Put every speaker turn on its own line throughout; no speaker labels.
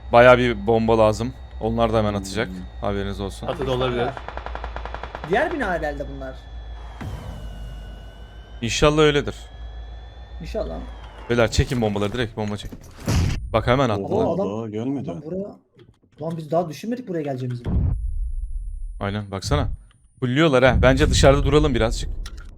Bayağı bir bomba lazım. Onlar da hemen atacak. Haberiniz olsun.
Atı da olabilir.
Diğer bina herhalde bunlar.
İnşallah öyledir.
İnşallah.
Beyler çekin bombaları, direkt bomba çek. Bak hemen attılar.
Oha, adam-
Daha gelmedi.
Lan buraya... Lan biz daha düşünmedik buraya geleceğimizi.
Aynen baksana. Fulluyorlar ha. Bence dışarıda duralım birazcık.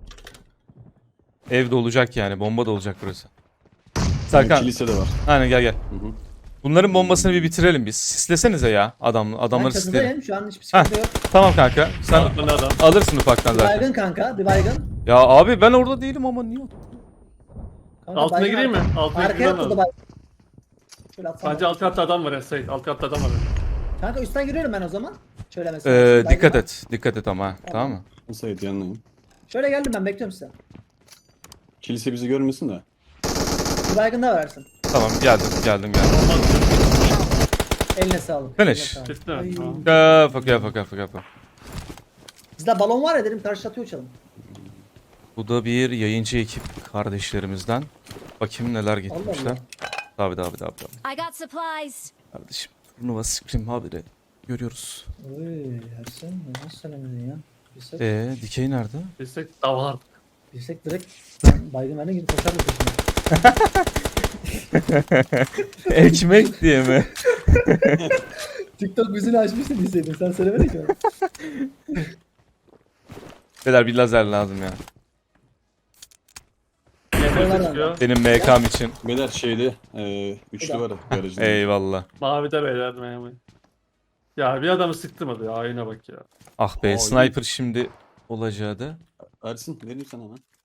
Evde olacak yani. Bomba da olacak burası. Serkan.
Kilise de var.
Aynen gel gel.
Hı hı.
Bunların bombasını bir bitirelim biz. Sislesenize ya
Ben
adamları sisleyelim.
çatıdayım şu an hiçbir sıkıntı yok.
Tamam kanka. Sen
Atladı adam.
alırsın ufaktan
Bir
zaten.
baygın kanka, bir baygın.
Ya abi ben orada değilim ama niye?
Kanka,
Altına
baygın
gireyim mi?
arka-
Altına
Arkaya
girmem
atladı
lazım.
baygın. Şöyle atsana.
Sadece alt katta adam var ya Sait. Alt katta adam var.
Kanka üstten giriyorum ben o zaman. Şöyle mesela. Baygın
Dikkat
var.
et. Dikkat et ama ha. Tamam mı?
Sait yanındayım.
Şöyle geldim ben bekliyorum size.
Kilise bizi görmesin de.
Bir baygın daha versin.
Tamam geldim.
Eline sağlık.
Finish.
Eline sağlık.
Bitti mi?
Ay.
Tamam.
Kafa.
Bizde balon var ya dedim karşılatıyor uçalım.
Bu da bir yayıncı ekip kardeşlerimizden. Bakayım neler getirmişler.
Allah.
Tabii.
I got supplies.
Kardeşim turnuva scrim haberi görüyoruz.
Oy Ersen nasıl söylemedin ya? Bilsek,
Dikey nerede?
Bilsek davar.
bilsek direkt ben baygın verdiğine gidip koşardık peşine.
Ekmek diye mi?
TikTok müziğini açmıştın bilseydin sen söylemedin ki bana.
Beyler bir lazer lazım ya.
Nefes çıkıyor.
Benim MK'm için.
Beyler şeyde üçlü var garajında.
Eyvallah.
Mavide beyler memur. Ya bir adamı sıktım hadi ya. Ayına bak ya.
Ah be
Aa,
sniper şimdi olacağı da.
Ersin vereyim sana lan.